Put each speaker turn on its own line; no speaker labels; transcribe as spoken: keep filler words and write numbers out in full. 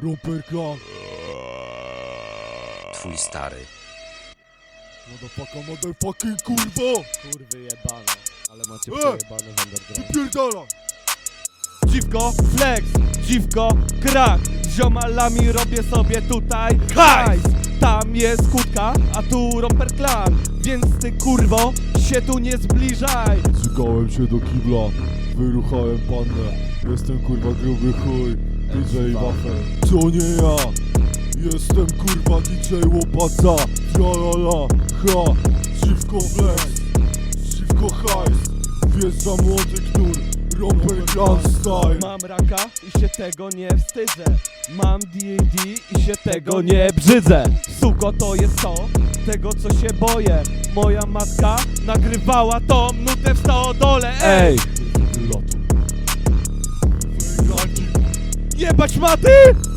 Romper Clan.
Twój stary.
Motherfucka, motherfucking kurwo!
Kurwy jebane, ale macie
E!
przejebane w underground.
Wypierdala!
Dziwko, flex, dziwko, krak. Z ziomalami robię sobie tutaj hajs. Tam jest kutka, a tu Romper Clan. Więc ty kurwo, się tu nie zbliżaj.
Zżygałem się do kibla, wyruchałem pannę. Jestem kurwa gruby chuj, D J Wafel. To nie ja, jestem kurwa D J Łopaca. Ja la la, ha, dziwko flex, dziwko hajs. Wjeżdża młody knur, Romper Clan style.
Mam raka i się tego nie wstydzę. Mam D A D i się tego nie brzydzę. Suko, to jest to, tego co się boję. Moja matka nagrywała tą nutę w stodole. Ej!
Lotu.
Jebać maty!